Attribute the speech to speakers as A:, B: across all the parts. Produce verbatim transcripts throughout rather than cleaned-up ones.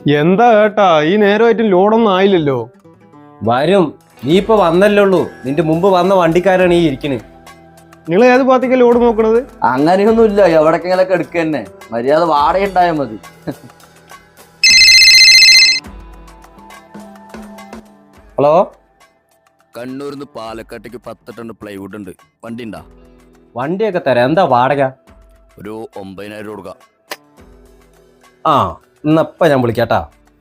A: എന്താ ഏട്ടാ ഈ നേരമായിട്ട് ലോഡൊന്നും ആയില്ലല്ലോ.
B: വരും, നീ ഇപ്പൊ വന്നല്ലേ ഉള്ളൂ. നിന്റെ മുമ്പ് വന്ന വണ്ടിക്കാരാണ് ഈ ഇരിക്കണ്.
A: നിങ്ങൾ ഏത് ഭാഗത്തേക്ക് ലോഡ് നോക്കണത്?
C: അങ്ങനെയൊന്നുമില്ല, എവിടെക്കെങ്കിലൊക്കെ എടുക്കുക തന്നെ. മര്യാദ വാടക ഉണ്ടായാൽ മതി.
B: ഹലോ,
D: കണ്ണൂരിന്ന് പാലക്കാട്ടേക്ക് പത്ത് ടൺ പ്ലൈവുഡ് ഉണ്ട്. വണ്ടി ഉണ്ടാ?
B: വണ്ടിയൊക്കെ തരാം. എന്താ വാടക?
D: ഒരു ഒമ്പതിനായിരം കൊടുക്കാം.
B: ആ ഇന്നപ്പ ഞാൻ വിളിക്കാട്ടാ.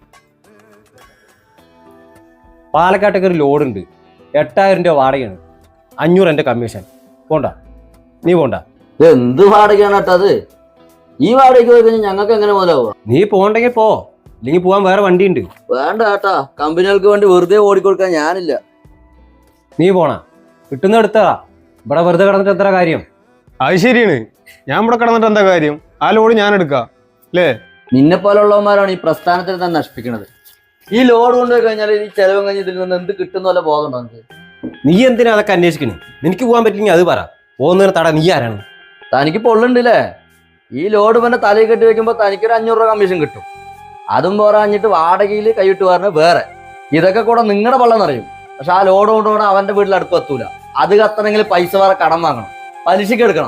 B: പാലക്കാട്ടേക്ക് ഒരു ലോഡ് ഉണ്ട്. എട്ടായിരം രൂപ വാടകയാണ്. അഞ്ഞൂറ് എൻ്റെ കമ്മീഷൻ. പോണ്ട, നീ പോണ്ട.
C: എന്ത് വാടകയാണ് കേട്ടോ അത്? ഈ വാടകയ്ക്ക് പോയി കഴിഞ്ഞാൽ ഞങ്ങൾക്ക് എങ്ങനെ മുതലാവുക?
B: നീ പോണ്ടെങ്കിൽ പോ, ഇല്ലെങ്കിൽ പോവാൻ വേറെ വണ്ടി ഉണ്ട്.
C: വേണ്ട കേട്ടാ, കമ്പനികൾക്ക് വേണ്ടി വെറുതെ ഓടിക്കൊടുക്കാൻ ഞാനില്ല.
B: നീ പോണ, കിട്ടുന്ന എടുത്താ. ഇവിടെ വെറുതെ കിടന്നിട്ട് എത്ര കാര്യം?
A: അത് ശരിയാണ്, ഞാൻ ഇവിടെ കിടന്നിട്ട് എന്താ കാര്യം? ആ ലോഡ് ഞാൻ എടുക്കാം അല്ലേ?
C: നിന്നെ പോലുള്ളവന്മാരാണ് ഈ പ്രസ്ഥാനത്തിൽ തന്നെ നശിപ്പിക്കുന്നത്. ഈ ലോഡ് കൊണ്ടുപോയി കഴിഞ്ഞാൽ ഈ ചെലവും കഴിഞ്ഞ് ഇതിൽ നിന്ന് എന്ത് കിട്ടുന്ന പോലെ ബോധം ഉണ്ടോ നമുക്ക്?
B: നീ എന്തിനാ അതൊക്കെ അന്വേഷിക്കണേ? നിനക്ക് പോകാൻ പറ്റില്ലെങ്കിൽ അത് പറ. പോകുന്നതിന് തട നീ ആരാണ്?
C: തനിക്ക് പൊള്ളുണ്ടല്ലേ? ഈ ലോഡ് പിന്നെ തലയിൽ കെട്ടി വെക്കുമ്പോൾ തനിക്കൊരു അഞ്ഞൂറ് രൂപ കമ്മീഷൻ കിട്ടും. അതും പോരാഞ്ഞിട്ട് വാടകയിൽ കൈവിട്ട് പറഞ്ഞ വേറെ. ഇതൊക്കെ കൂടെ നിങ്ങളുടെ പള്ളം നിറയും. പക്ഷെ ആ ലോഡ് കൊണ്ടുപോകണം അവന്റെ വീട്ടിൽ അടുപ്പ് എത്തൂല. അത് കത്തണമെങ്കിൽ പൈസ വേറെ കടം വാങ്ങണം, പലിശക്ക് എടുക്കണം.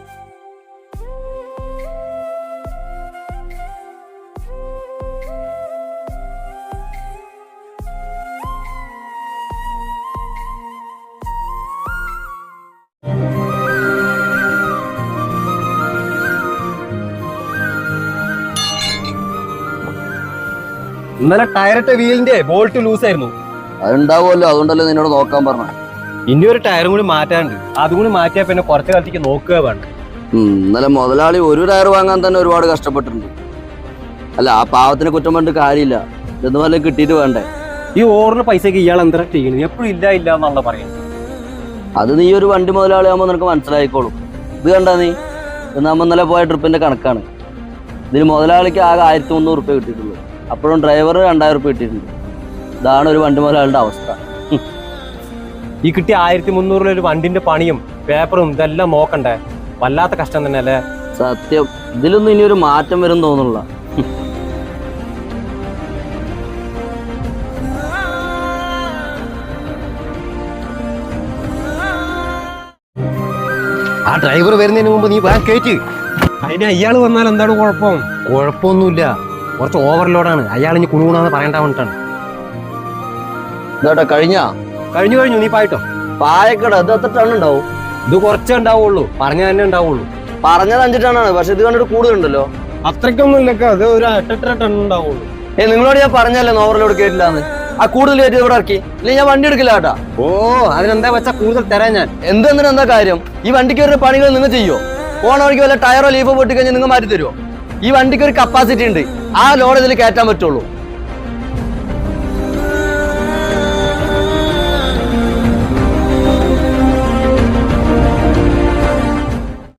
B: ഇന്നലെ ടയറിട്ട വീലിന്റെ ബോൾട്ട് ലൂസ് ആയിരുന്നു.
C: അതുണ്ടാവുമല്ലോ, അതുകൊണ്ടല്ലോ നിന്നോട് നോക്കാൻ പറഞ്ഞ.
B: ഇനി ഒരു ടയറും കൂടി മാറ്റാണ്ട്. അതും കൂടി മാറ്റിയാൽ പിന്നെ കുറച്ചു കാലത്തേക്ക് നോക്കുക വേണ്ട.
C: ഇന്നലെ മുതലാളി ഒരു ടയർ വാങ്ങാൻ തന്നെ ഒരുപാട് കഷ്ടപ്പെട്ടിട്ടുണ്ട്. അല്ല, ആ പാവത്തിന് കുറ്റം പറഞ്ഞിട്ട് കാര്യമില്ല. ഇതെന്ന് പറഞ്ഞാൽ കിട്ടിയിട്ട് വേണ്ടേ?
B: ഈ ഓറിന് പൈസക്ക് ഇയാൾ എന്താ ചെയ്യുന്നത്? എപ്പോഴും ഇല്ല ഇല്ല എന്നുള്ള പറയുന്നത്.
C: അത് നീ ഒരു വണ്ടി മുതലാളി ആകുമ്പോൾ നിനക്ക് മനസ്സിലായിക്കോളും. ഇത് കണ്ടാ നീ, ഇത് നമ്മ ഇന്നലെ പോയ ട്രിപ്പിന്റെ കണക്കാണ്. ഇതിന് മുതലാളിക്ക് ആകെ ആയിരത്തി മുന്നൂറ് റുപ്യ കിട്ടിയിട്ടുള്ളൂ. അപ്പോഴും ഡ്രൈവർ രണ്ടായിരം റുപ്യ കിട്ടിയിട്ടുണ്ട്. ഇതാണ് ഒരു വണ്ടി മുതലാളിയുടെ അവസ്ഥ.
B: ഈ കിട്ടിയ ആയിരത്തി മുന്നൂറിൽ ഒരു വണ്ടിന്റെ പണിയും പേപ്പറും ഇതെല്ലാം നോക്കണ്ടേ? വല്ലാത്ത കഷ്ടം തന്നെ അല്ലേ?
C: സത്യം, ഇതിലൊന്നും ഇനി ഒരു മാറ്റം വരും തോന്നുന്നില്ല.
B: ആ ഡ്രൈവർ വരുന്നതിന് മുമ്പ് നീ വേഗം കയറ്റി.
A: അതിന് അയാൾ വന്നാൽ എന്താണ് കുഴപ്പം?
B: കുഴപ്പമൊന്നുമില്ല, കുറച്ച് ഓവർലോഡാണ്. അയാൾ ഇനി കുണുകുണാന്ന് പറയേണ്ട വേണ്ടിട്ടാണ്.
C: ഇതാട്ടെ കഴിഞ്ഞാ
B: കഴിഞ്ഞു കഴിഞ്ഞു നീ പായിട്ടോ.
C: പായക്കട ഇത് എത്ര ടൺ ഉണ്ടാവും?
B: ഇത് കുറച്ചേ ഉണ്ടാവുള്ളൂ, പറഞ്ഞ തന്നെ ഉണ്ടാവുള്ളൂ.
C: പറഞ്ഞത് അഞ്ച് ടണ്ണാണ്, പക്ഷെ ഇത് കണ്ടിട്ട് കൂടുതലുണ്ടല്ലോ.
A: അത്രയ്ക്കൊന്നും ഇല്ലക്ക, അത് ഒരു എട്ടെട്ടര ടൺ ഉണ്ടാവുള്ളൂ.
C: ഏ നിങ്ങളോട് ഞാൻ പറഞ്ഞല്ലേ ഓവർലോഡ് കേട്ടില്ലാന്ന്. ആ കൂടുതൽ കയറ്റി ഇവിടെ ഇറക്കി, ഇല്ലെങ്കിൽ ഞാൻ വണ്ടി എടുക്കില്ല കേട്ടാ.
B: ഓ അതിനെന്താ വെച്ചാ കൂടുതൽ തരാൻ ഞാൻ.
C: എന്തെന്തിനും എന്താ കാര്യം? ഈ വണ്ടിക്ക് വരുന്ന പണികൾ നിങ്ങൾ ചെയ്യോ? പോണ വഴിക്ക് വല്ല ടയറോ ലീഫോ പൊട്ടി കഴിഞ്ഞാൽ നിങ്ങൾ മാറ്റി തരുമോ? ഈ വണ്ടിക്ക് ഒരു കപ്പാസിറ്റി ഉണ്ട്, ആ ലോഡ് ഇതിൽ കയറ്റാൻ പറ്റുള്ളൂ.